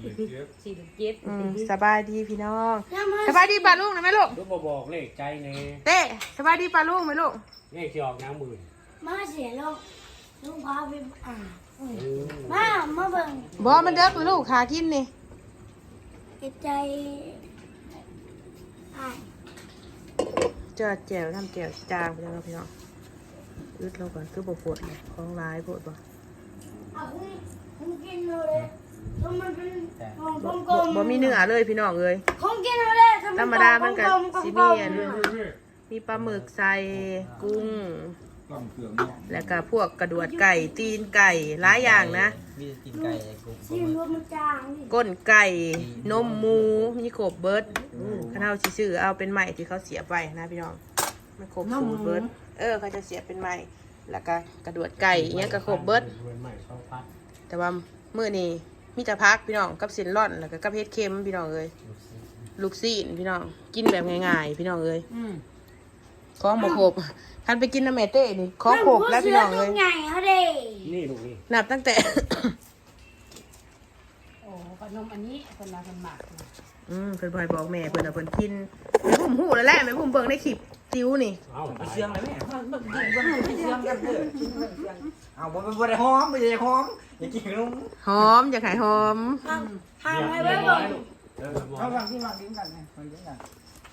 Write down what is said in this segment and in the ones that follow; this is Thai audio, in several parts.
สบายดีพี่น้องสบายดีป่าลุงนะแม่ลูกลูกมาบอกเลขใจเน่เต้สบายดีป่าลุงไหมลูกเลขที่ออกน้ำหมื่นมาเสียลูกพาไปมาเบิ่งบอมันเด็กเลยลูกขากินนี่ใจเจอแจวทำแจวจางไปแล้วพี่น้องอึดเราก่อนคือบ่ปวดเลยของร้ายปวดบ่ผมกินเลยมันเป็นของกลมบ่มีเนื้อเลยพี่น้องเลยของกินเลยธรรมดามันก็สิมีอันมีปลาหมึกใส่กุ้งแล้วก็พวกกระดวดไก่ตีนไก่หลายอย่างนะมีกินไก่กุ้งชิมรสมันจางดิก้นไก่นมหมูมีโขบเบิร์ดข้าวสิซื้อเอาเป็นใหม่ที่เขาเสียบไว้นะพี่น้องมันโขบสูตรเบิร์ดเขาจะเสียบเป็นใหม่แล้วก็กระดวดไก่เนี้ยก็โขบเบิร์ดใหม่ช่องพัดแต่ว่ามื้อนี้มีแต่พักพี่น้องกับสินร่อนแล้วก็กับเฮ็ดเค็มพี่น้องเอ้ยลูกซีนพี่น้องกินแบบง่ายๆพี่น้องเอ้ยของบ่ครบท่านไปกินน้ำแม่เต้นี่ของครบแล้วพี่น้องเอ้ยใหญ่เขาเด้นี่ลูกนี่นับตั้งแต่โอ้ขนมอันนี้คนละคนหมักนะเพิ่นบ่ให้บอกแม่เพิ่นเอาเพิ่นกินแม่พุ่มหูแล้วแหละแม่พุ่มเบิ่งในคลิปติ้วนี่เอาไปเชื่องเลยแม่มันกินมันไปเชื่องกันเถอะเอาบ่ได้หอมบ่ได้หอมอย่ากินขนมหอมอยากให้หอมทำให้ไว้บ่งเอาวางที่วางกินกันนะมันกินกัน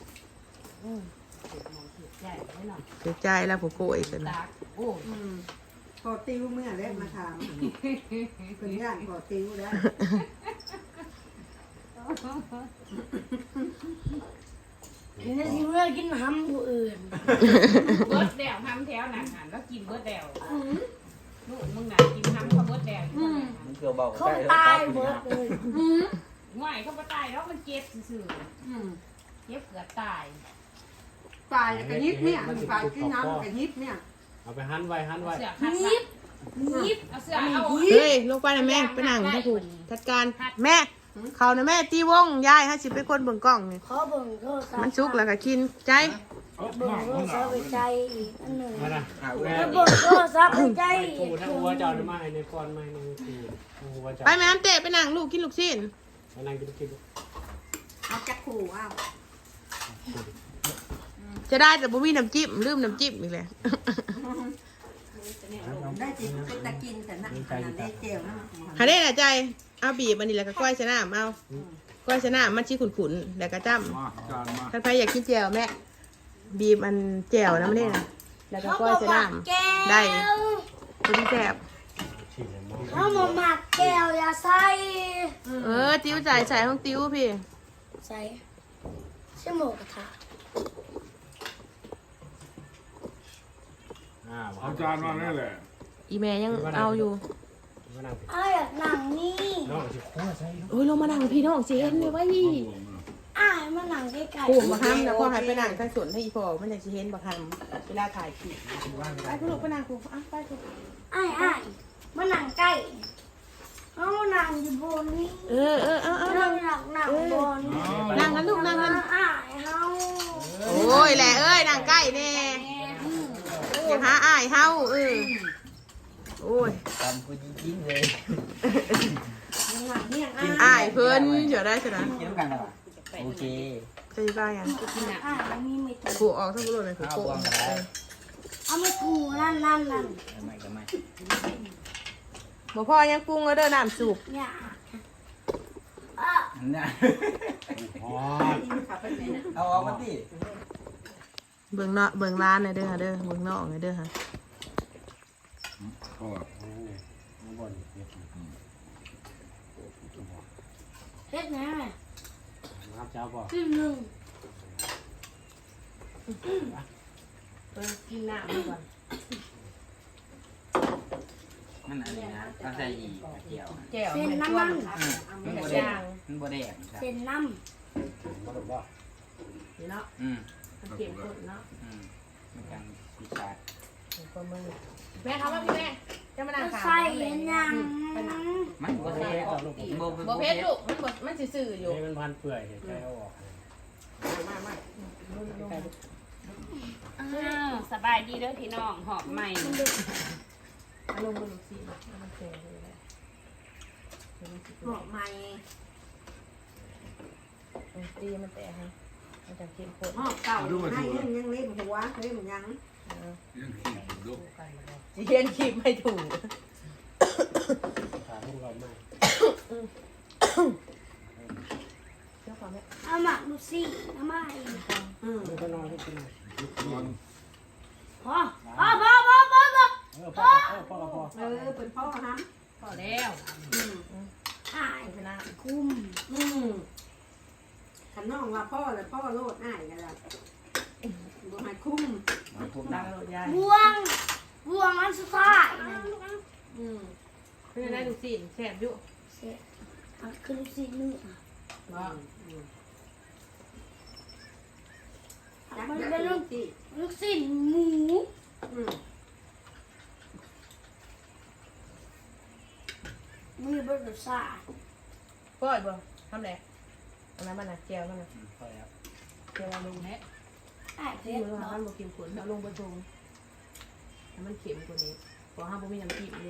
ใหญ่ไว้หน่อยเสียใจแล้วผู้โกยกันตากโอ้พอติ้วเมื่อแรกมาถามเพิ่นย่านพอติ้วแล้วนี่นะสิเมื่อกินห้ำผู้อื่นเบิร์ดแดวทำแถวหนังหันแล้วกินเบิร์ดแดวลูกมึงหนากินทำเขาเบิร์ดแดวมันเกี่ยวเบาเขาตายหมดเลยง่ายเขาไปตายแล้วมันเจ็บซื่อเจ็บเกือบตายปลายกระยิบเนี่ยปลายที่น้ำกระยิบเนี่ยเอาไปหันไว้หันไว้เสือขัดยิบเอาเสือเอาเฮ้ยลงไปนะแม่ไปนั่งถ้าผูกจัดการแม่เขานะแม่ตีวงยายให้สิเป็นคนเบิ่งกล้องนี่ขอเบิ่งโทรศัพท์มันสุกแล้วก็กินใจเบิ่งโทรศัพท์ไปใจอีกอันหนึ่งมานะแล้วเบิ่งโทรศัพท์ไปใจไปอีกูกทั้งหัวเจ้าได้มาให้ในก้อนไม่ในทีหัวเจ้าไปแม่น้ำเตะไปนั่งลูกกินลูกชิ้นไปนั่งกินเอาจักขู่อ้าวจะได้แต่บ่มีน้ำจิ้มลืมน้ำจิ้มอีกเลยได้จิเป็นตะกินแต่นั่นขนาดได้เจียวนะหาได้น่ะใจเอาบีบอันนี้แล้วก็ก้อยชะน้ำเอาก้อยชะน้ำมันชี้ขุ่นๆแล้วก็จ้ำท่านใครอยากกินแจ่วแม่บีบอันแจ่วนะมันนี่นะแล้วก็เขาก้อยบอกชะหมัน้กแก้วำได้ตัวที่แซ่บฉีดเลยมั้งเขาบอกหมักแก้วอย่าใส่ติ้วจ่ายใส่ห้องติ้วพี่ใส่ชั่วโมงกระทะเอาจานมานี่แหละอีแม่ยังเอาอยู่มานั่งอ้ายอยากนั่งนี่น้องจะคั่วใส่โอ้ยลงมานั่งพี่น้องเจนเลยว่ายี่อ้ายมานั่งใกล้กูมาห้ามแล้วก็ให้ไปนั่งทั้งสวนให้อีพอมันอยากจะเห็นบักฮัมเวลาถ่ายคลิปไปคุณลูกไปนั่งกูอ่ะไปกูอ้ายมานั่งใกล้เขามานั่งอยู่บนนี้เอานั่งหนักนั่งบนนั่งกันลูกนั่งกันอ้ายเฮาโอ้ยแหละเอ้ยนั่งใกล้แน่อย่าหาอ้ายเฮาโอ้ยตามกูจริงๆเลยอ้ายเพิ่นเดี๋ยวได้สินะกินกันแล้วโอเคจะบ้ายังอ้ายมีไม่ถูกกูออกทั้งรถเลยกูเอาโกบวงกันแล้วเอาไม่ถูกนั่นไม่ก็ไม่บ่พ่อยังปรุงแล้วเด้อน้ำสุกเนี่ยเนี่ยอ๋อเอาออกมาดิเบิ่งเนาะเบิ่งร้านหน่อยเด้อค่ะเด้อเบิ่งนอกหน่อยเด้อค่ะก็ข้างบนเฮ็ดนะน้ำเจ้าบอกครึ่งหนึ่งกินน้ำก่อนมันอะไรนะต้องใส่อีกเกี่ยวแก้วมันน้ำมันมันบ่แดงมันบ่แดงครับเส้นน้มาบอกว่าเนาะ มันเก็บกดเนาะมันกันสีชาดคนมือแม่เขาว่าพี่แม่จะมานั่งำขาวใส่ยังมันบ่แดงบ่บ่เพชรลูกมันซื่อๆอยู่นี่มันพันเปื่อยเห็นใจเอาออกสบายดีเด้อพี่น้องหอบใหม่อารมณ์มันลูกศิษย์มันแก่เลยบอกใหม่ตีมันแตกนะมันจะเข้มข้นหม้อเก่าให้ยังเล่นหัวเล่นยังยังขี้ลูกจีเย็นคลิปไม่ถูกขาพวกเราไม่เชื่อความไหมเอามาดูสิเอามาอีกไม่ก็นอนให้กินหน่อยนอนพอพ่อพ่อเป็นพ่อฮะพอแล้วอ่ายชนะคุ้มขันน้องว่าพ่อเลยพ่อโลดง่ายกันละบ่ให้คุ้มดังโลดยายบวงอันสุดท้ายเพื่อนได้ดูสิแสบอยู่เสร็จเอาขึ้นสิเนื้อว่ามันเป็นลูกชิ้นหมู มีบริษัทก้อยบ่ทำแหละอันนั้นมันน่ะเจียวมันน่ะพ่อแล้วเจียวลงแหละไอ้เพที่ชรมือเนาะมันบ่เค็มข้นเอาลงไปชงให้มันเค็มกว่านี้เพราะห้ามบ่มีน้ำจิ้มเลย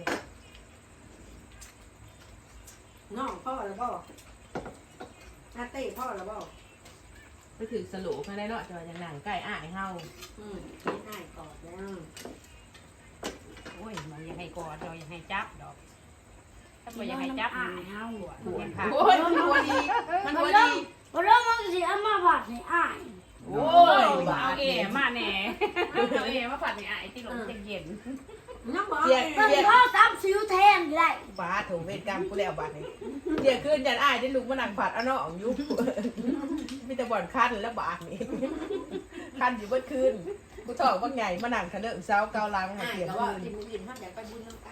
น้องพ่อแล้วบ่อาเต้พ่อแล้วบ่ไปถือสโลมาได้เนาะจอยอย่างหนังไก่อ้ายเฮาง่ายก่อนแล้วโอ้ยมันยังให้กอดเรายังให้จับดอกถ้าบ่ยังให้จับอ่ายเฮาหัวขาโอ้ยมันหัวดีมันหัวดีพอเริ่มมันสิเอามาผัดให้อ้ายโอ้ยเอาเอ๋มาแหน่เอาเอ๋มาผัดนี่ไอ้ที่หลงจะเย็นน้องบอกเจียมันเจียก็ตามสิวแทนได้บาถูเวทกรรมกูแล้วบาดนี้เจียขึ้นยันอ้ายได้ลูกมานั่งผัดเอาเนาะของยุบมีแต่บ่อนคันแล้วบาดนี้คันอยู่เบิดคืนกูถอกว่าไงมานั่งคะเนอะเช้าเกาลังมาง่ายเสียแต่คืว่าน ที่มึงยินเขาอยากไปบุญน้ำกัน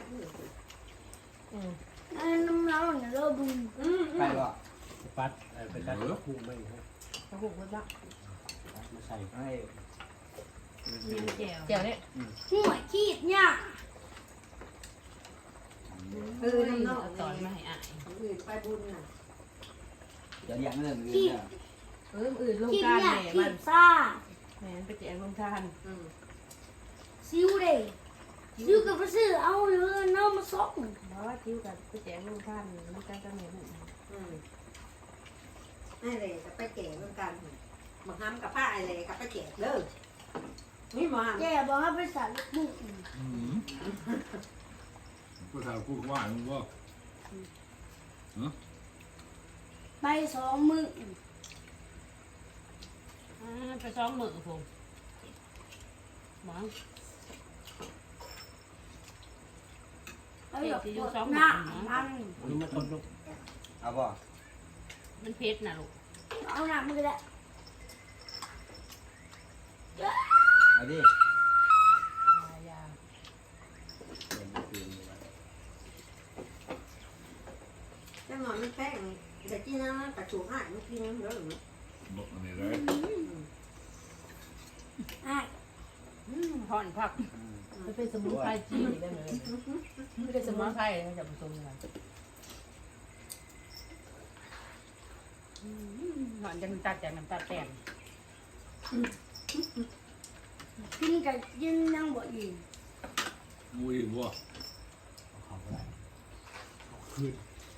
น้ำร้อนเราบุญไปบ่ปัดเป็นการคู่ไม่ให้กระหุกมันละมาใส่ให้ยังแจ๋วเจียวเนี่ยหัวขีดเนี่ยน้ำนอกเอาตอนมาให้อ้ายอื่นไปบุญน่ะเดี๋ยวเลี้ยงเรื่องอื่นเนี่ยอื่นลงขีดการเนี่ยแหม่ขีมันดซ่าแหม่ไปแจกลงทานซิวเด้ซิวกับไปซื้อเอาเงินเอามาส่งเพราะว่าคิ้วกับไปแจกลงทานมันกันจะเหม็นนี่เลยกับไปแก่เหมือนกันมาทำกับผ้าอะไรกับไปแก่เด้อนี่มาแกบอกให้ไปใส่ลูกบุกก็ถามกูว่ามึงว่าไป2 มื้อไปซ้อมมือผมหมอเอาหยอกปวดหน้ามันนี่มาต้นลูกเอาบ่มันเพชรนะลูกเอาหน้ามือแหละเอาดิยาจังหวะมันแป้งแต่ที่นั่นกระชูง่ายมันกินเยอะหรือบอกอันนี้เลยอ้ายห่อนพักมันเป็นสมุนไพรจีนได้เลยไม่ได้สมุนไพรมันจะผสมกันห่อนจะน้ำตาลจากน้ำตาลแตนกินกับกินยังบ่อิ่มมูอีกว่าเขาไปขึ้น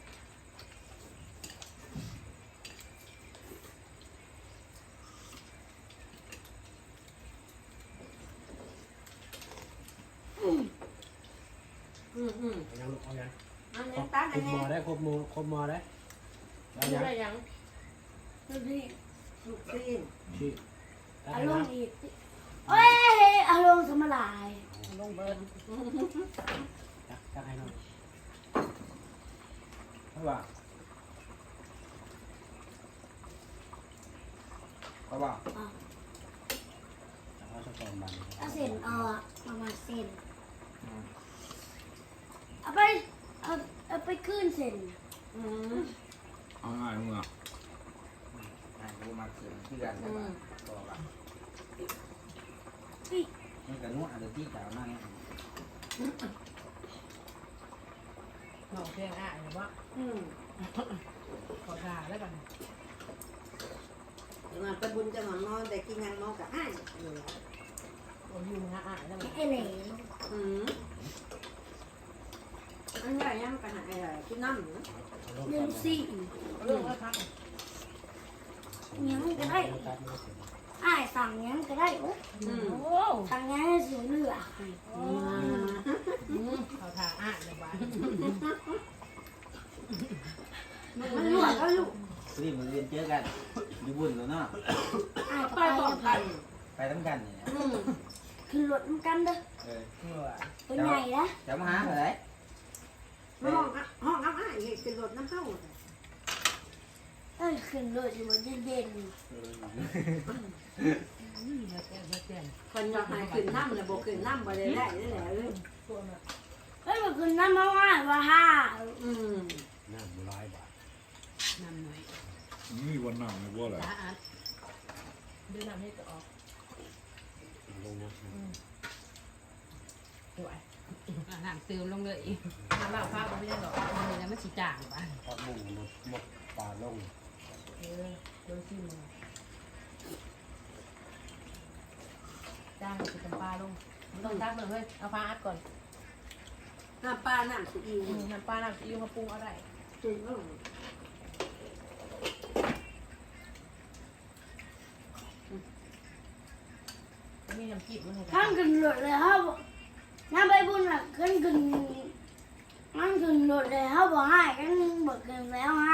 ยังลูกเอายังอันนี้ตั้งคอัรนบนี้มอได้ครบมอได้เอายังได้ยังดูดิลูกซีนชี้ได้อารนะมณ์อีกเอ้ยอารมณ์สมลายลงเบิร์นจักให้น้องเอาบ่เอาบ่จักเอาสักตอนบันเอาเส้นเอาอะประมาณเส้นเอาไปขึ้นเส้นเอาง่ายมึงอ่ะให้กูมาเกินเพื่อนใช่ป่ะต่อละมันก็นวดอะไรที่กล่าวมาเนี่ยหน่อเพียงอ่ะหรือว่าขอทาแล้วกันจังหวะไปบุญจังหวะนอนแต่กินยังนอนกับอ้ายโอ้ยมึงอ่ะแล้วมันไอ้เหลวอันใหญ่ยังไปหาอะไรกินน้ำเรื่องสี่เรื่องแล้วพักยังก็ได้อ้ายสั่งยังก็ได้โอ้โอ้สั่งยังให้เสียเหลือเขาทาอ่านเลยบ้านมันหลวดแล้วลูกรีบมาเรียนเจอกันอยู่บุญแล้วเนาะอ้ายไปไปบอกกันไปทั้งกันเนี่ยขึ้นรถมันกันเด้อเออตัวใหญ่นะจะมาหาอะไรห้องน้ำอ้ายเป็นรถน้ำเข้าเอ้ยขึ้นรถอยู่บนเย็นคนอยากให้ขึ้นน้ำเลยบอกขึ้นน้ำบ่ได้ได้แหละเลยๆเฮ้ยมันขึ้นน้ำมาว่าว่าห้าน้ำ100 บาทน้ำหน่อยนี่วันหนังเลยบ่แหละตาอัดดูน้ำให้ตัวออกลงนะสวยน้ำเติมลงเลยน้ำเหล้าฟ้าก็ไม่ได้หรอกมันเลยมันสีจางบ้านพักบุ้งหมดปลาลงโดนซิมจ้างคือตำปลาลงมันต้องตักเลยเฮ้ยเอาฟ้าอัดก่อนน้ำปลาน้ำสุอิวน้ำปลาน้ำซีอิ๊วมาปรุงเอาได้จุ่มลงมีน้ำจิ้มมันข้างขึ้นรถเลยครับน้ำใบบุญอ่ะขึ้นมันขึ้นรถเลยเขาบอกให้กันบอกขึ้นแล้วให้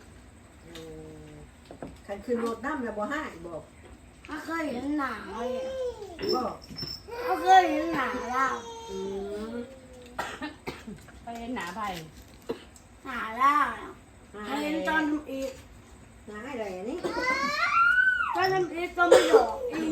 ขันขึ้นรถน้ำแล้วบ่ให้บอกเขาเคยเห็นหนาเลยบอกเขาเคยเห็นหนาเราไปเห็นหนาไปหนาเราเขาเห็นตอนทำอีกน้าอะไรนี่ตอนทำอีกก็ไม่ดอกอี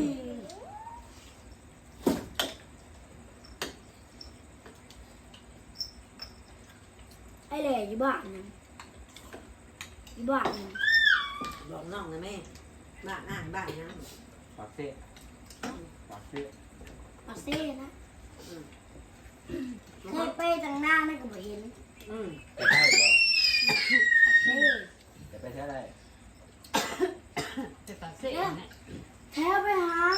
ไอ้เหล่อยู่บ้านนะอยู่บ้านนะบอกน้องนะแม่บ้านบ้านนะปากเสี้ยปากเสี้ยปักเซ่นะเคยไปทางหน้าไม่ก็ไม่เห็นไปใช่บ่ปักเซ่จะไปใช่ได้จะตัดเส้นเนี่ยแถวไปหา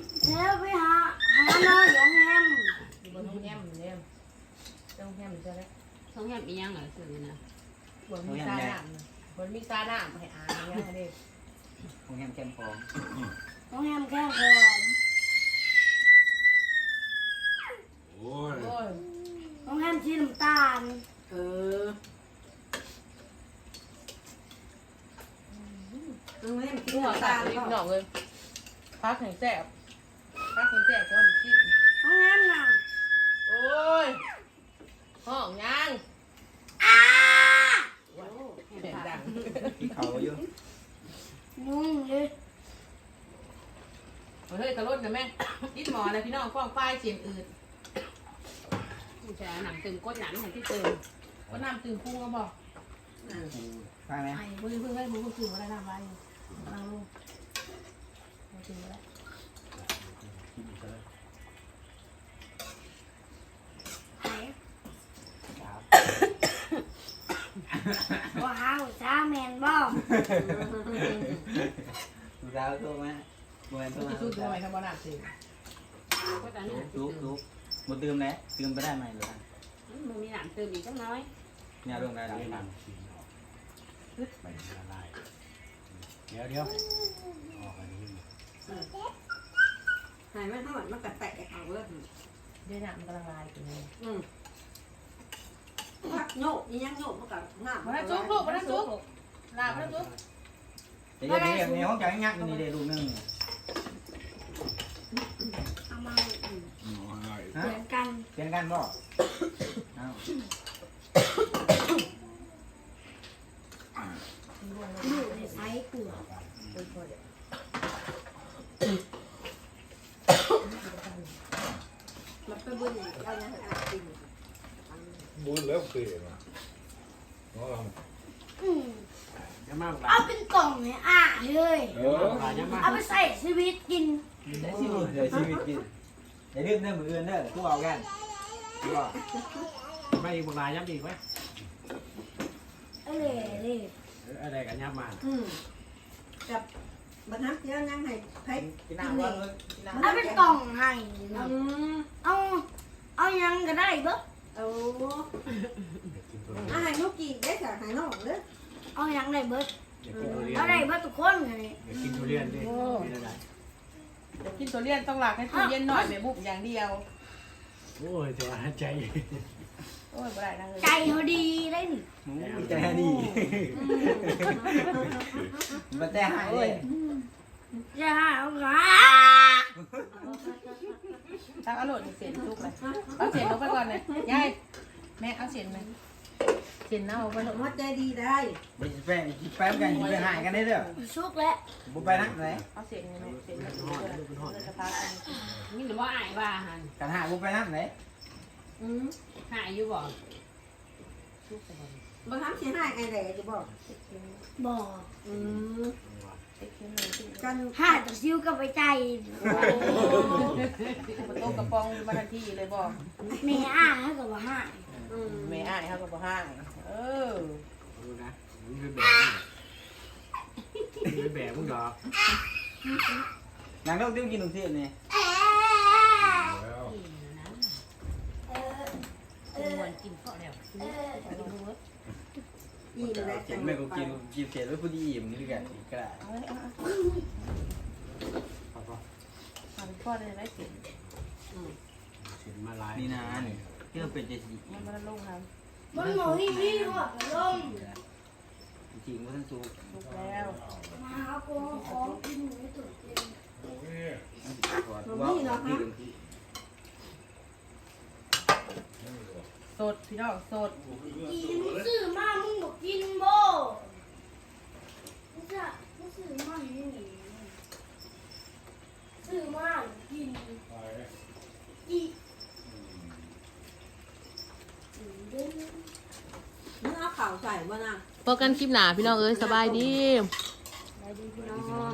น้อยของแฮมอยู่บนห้องแฮมเนี่ยต้องแฮมจะได้ห้องแฮมอีหยังเหรอสื่อนะบนมีซาหนามบนมีซาหนามให้อ่านอย่างเงี้ยเลยคงแฮมแคมฟองของแฮมแค่หอมโอ้ยโอ้ยของแฮมชีน้ำตาลเออแม่กินหัวน้ำตาตาลลิ้นก็หนองเลยพักแห่งแสบพักแห่งแสบก็มันขี้ของแฮมน่ะโอ้ยห้องยังอ้าเสียงดังที่เขาอยู่นุ่งเลยเฮ้ยกระโดดนะแม่ยิดหมอนะพี่น้องฟ้องฝ้ายเสียงอืดจะหนังตึงก้นหนังเห็นที่เติมก็น้ำตื่นพุ่งก็บอกฟังไหมไอ้มือเพิ่งให้มือเพิ่งถึงว่าได้ทำไรเอาลูกมาถึงแล้วไหนว้าวจ้าแมนบ่ดูดาวตัวไหมโมเมนต์ตัวจะสู้ตัวไหนทำบ้าน้ำตื่นก็ตอนนี้ลุกหมดเติมแล้วเติมไปได้ไหมหรือมึงมีหนังเติมอีกจังน้อยเนี่ยลงได้ได้แล้วน้ำสีออกไปละลายเดี๋ยวออกอันนี้หายไม่เท่าไหร่มันกระแตกเอาเว้ยเดี๋ยวน้ำมันกำลังลายอยู่เลยพักโยกยังโยกมันกับน้ำมาแล้วจุ๊บลูกมาแล้วจุ๊บลามาแล้วจุ๊บเดี๋ยวในห้องจ่ายงักนี่เดี๋ยวลูกนึงเอามาน้อยฮะเหมือนกันเปลี่ยนกันบ่อ้าวอยู่ในไซส์เกลือมันเป็นบุญอย่างเราเนี่ยจริงบุญแล้วเปลี่ยนอ่ะน้องอืมยังมากหลาเอายเป็นกล่องเนี่ยอ่ะเลยเออยังมากเอาไปใส่ชีวิตกินเดี๋ยวชีวิตกินอย่าลืมเด้อมืออื่นเด้อทุกเอากันทุกเอาไม่อีกหลายย้ำอีกไหมเอ้ยเลยอะไรกันย้ำมากับบันทับเยอะยังให้ไผ่กินน้ำก่อนเลยเอาเป็นกล่องให้อืมเอายังก็ได้เบ้อเอาให้ลูกกี่ได้จากให้น้องเด้อเอายังได้เบิดเอยากกินทุเรียนอะไรบ้าทุกคนเลยอยากกินทุเรียนดิเป็นอะไรเดี๋ยวกินตัวเลี่ยนต้องหลักให้ตู้เย็นหน่อยแม่บุบอย่างเดียวโอ้ยจะว่าใจโอ้ยบ่ได้นะเฮ้ยใจเขาดีได้หนิใจดีมาแต่หายเลยจะหาเอาขาตั้งอร่อยเสียนทุกเลยเอาเสียนลงไปก่อนเลยยายแม่เอาเสียนไหมเสียนเน่าไปลงหัวใจดีได้ไปแป๊บกันไปหายกันได้เด้อสุกแล้วบุไปนักไหนเอาเสียนไหมเสียนมันเลยจะพักกันนี่หรือว่าอายว่าหันกันหายบุไปนักไหนหายอยู่บ่บางครั้งเสียหายไอ้แหล่จะบอกบอกกันห้าตะซิวกับไปใจประตูกระปองมาทันทีเลยบอกแม่อ้าให้กับว่าห้าแม่อ้ายเขาก็บ่ห้างเออดูนะมันเป็นแบบเป็นแบบมึงดอกนางต้องติ้วกินหนุ่มเทียนนี่แล้วควรกินข้าวแล้วไปลงมืออิ่มแล้วเขียนแม่ก็กินเขียนไว้ผู้ดีอิ่มนี่กันก็ได้เอาไว้เอาพอพอเอาพ่อได้ได้เสียนเสียนมาลายนี่นะนี่เพื่อเป็นใจสีมันมาลงครับมันหมอที่นี่หัวลมจริงว่าท่านสูลุกแล้วมาหาของกินหนูตุ่นเองว่าดีกันที่สดพี่น้องสดกินซื้อมามึงบอกกินบ่มึงจะมึงซื้อมาให้หนีซื้อมากินอีเด้อเนื้อข่าวใส่บ่นะพบกันคลิปหนาพี่น้องเอ้ยสบายดีได้ดีพี่น้อง